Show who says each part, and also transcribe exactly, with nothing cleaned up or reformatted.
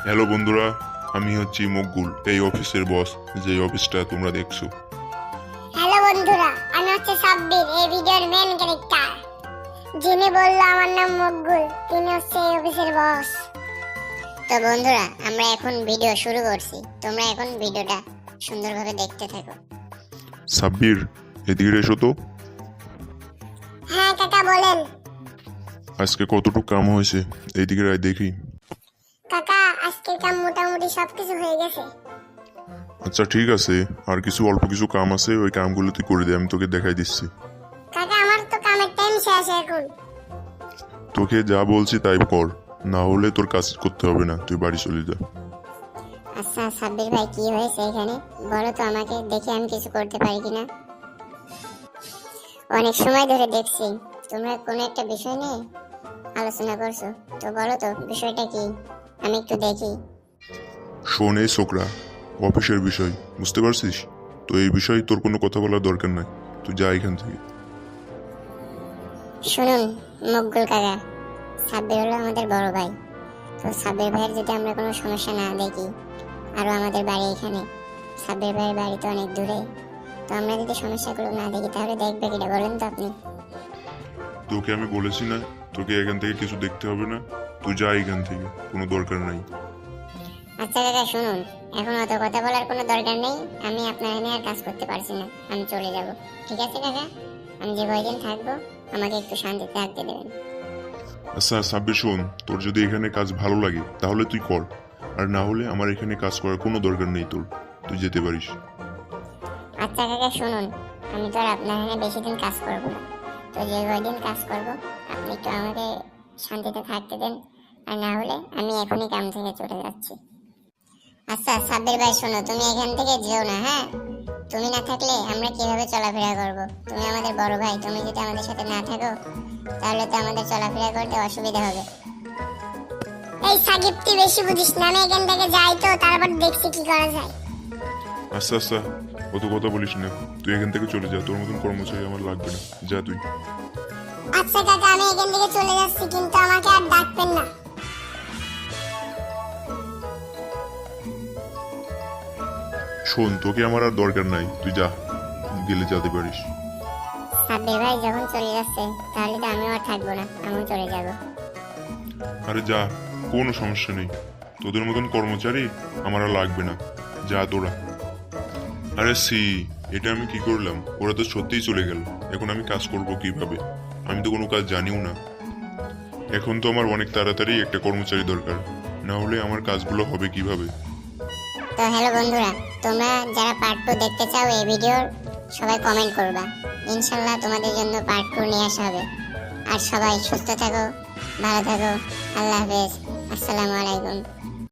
Speaker 1: Hello বন্ধুরা, আমি হচ্ছি মকবুল, এই অফিসের বস, যে অফিসটা তোমরা দেখছো।
Speaker 2: হ্যালো বন্ধুরা, আমি হচ্ছে সাব্বির, এই ভিডিওর মেন ক্যারেক্টার। যিনি বললো আমার নাম মকবুল, তিনি হচ্ছে এই অফিসের বস। তো বন্ধুরা, আমরা এখন ভিডিও শুরু করছি। তোমরা এখন ভিডিওটা সুন্দরভাবে দেখতে থাকো।
Speaker 1: সাব্বির, এদিকে এসো তো।
Speaker 2: হ্যাঁ কাকা, বলেন।
Speaker 1: আজকে কতটুকু কাম হয়েছে এইদিকে আয় দেখি।
Speaker 2: কাকা, আজকের কাম মোটামুটি সবকিছু হয়ে গেছে।
Speaker 1: আচ্ছা ঠিক আছে, আর কিছু অল্প কিছু কাম আছে, ওই কামগুলো তুই করে দে, আমি তোকে দেখাই দিচ্ছি।
Speaker 2: কাকা, আমার তো কামের টাইম শেষ এখন।
Speaker 1: তোকে যা বলছি তাই কর, না হলে তোর কাজ করতে হবে না, তুই বাড়ি চলে যা।
Speaker 2: আচ্ছা সাব্বির ভাই, কি হয়েছে এখানে বলো তো আমাকে, দেখি আমি কিছু করতে পারি কিনা। অনেক সময় ধরে দেখছি তোমরা কোনো একটা বিষয় নিয়ে আলোচনা করছো, তো বলো তো বিষয়টা কি, আমি একটু দেখি।
Speaker 1: শোন এই ছোকরা, অফিসের বিষয় বুঝতে পারছিস তো, এই বিষয়ে তোর কোনো কথা বলার দরকার নাই, তুই যা এখান থেকে।
Speaker 2: শুনুন মকবুল কাকা, সাব্বির হলো আমাদের বড় ভাই। তো সাব্বির ভাইয়ের যদি আমরা কোনো সমস্যা না দেখি, আরও আমাদের বাড়ি এখানে, সাব্বির ভাইয়ের বাড়ি তো অনেক দূরে, তো আমরা যদি সমস্যাগুলো না দেখি তাহলে দেখবে কিটা বলেন তো আপনি।
Speaker 1: তোকে আমি বলেছি না তোকে এখান থেকে কিছু দেখতে হবে না, তুই যা এখান থেকে, কোনো দরকার নাই।
Speaker 2: আচ্ছা কাকা শুনুন, এখন অত কথা বলার কোনো দরকার নেই, আমি আপনার এখানে আর কাজ করতে পারছি না, আমি চলে যাব। ঠিক আছে কাকা, আমি যে কয়দিন থাকবো আমাকে একটু শান্তিতে থাকতে দেবেন।
Speaker 1: আচ্ছা সাব্বির শোন, তোর যদি এখানে কাজ ভালো লাগে তাহলে তুই কর, আর না হলে আমার এখানে কাজ করার কোনো দরকার নেই তোর, তুই যেতে পারিস।
Speaker 2: আচ্ছা কাকা শুনুন, আমি তো আর আপনার এখানে বেশি দিন কাজ করব না, তো যে কয়দিন কাজ করব আপনি একটু আমাকে শান্তিতে থাকতে দেন, আর না হলে আমি এখনই কাম থেকে চলে যাচ্ছি। আচ্ছা সাব্বির ভাই শোনো, তুমি এখান থেকে যেও না, হ্যাঁ? তুমি না থাকলে আমরা কিভাবে চলাফেরা করব? তুমি আমাদের বড় ভাই, তুমি যদি আমাদের সাথে না থাকো তাহলে তো আমাদের চলাফেরা করতে অসুবিধা হবে। এই সাকিব, তুই বেশি বুঝিস না, আমি এখান থেকে যাই তো তারপর দেখছি কি করা যায়।
Speaker 1: আচ্ছা আচ্ছা, অত কথা বলিস না, তুই এখান থেকে চলে যা, তোর মতন কর্মচারী আমার লাগবে না, যা তুই।
Speaker 2: আচ্ছা কাকা, আমি এখান থেকে চলে যাচ্ছি, কিন্তু আমাকে আর ডাকবেন না।
Speaker 1: শোন, তোকে আমার আর দরকার নাই, তুই যা, গেলে যেতে পারিস।
Speaker 2: সাব্বির ভাই যখন চলে যাচ্ছে তাহলে তো আমিও আর থাকবো না, আমিও চলে যাব।
Speaker 1: আরে যা, কোনো সমস্যা নেই, তোদের মতন কর্মচারী আমার আর লাগবে না, যা তোরা। আরে সি, এটা আমি কি করলাম, ওরা তো সত্যিই চলে গেল, এখন আমি কাজ করব কিভাবে? আমি তো কোনো কাজ জানিও না, এখন তো আমার অনেক তাড়াতাড়ি একটা কর্মচারী দরকার, না হলে আমার কাজগুলো হবে কিভাবে?
Speaker 2: তো হ্যালো বন্ধুরা, তোমরা যারা পার্ট টু দেখতে চাও এই ভিডিওর, সবাই কমেন্ট করবা, ইনশাল্লাহ তোমাদের জন্য পার্ট টু নিয়ে আসা হবে। আর সবাই সুস্থ থাকো, ভালো থাকো, আল্লাহ হাফেজ, আসসালামু আলাইকুম।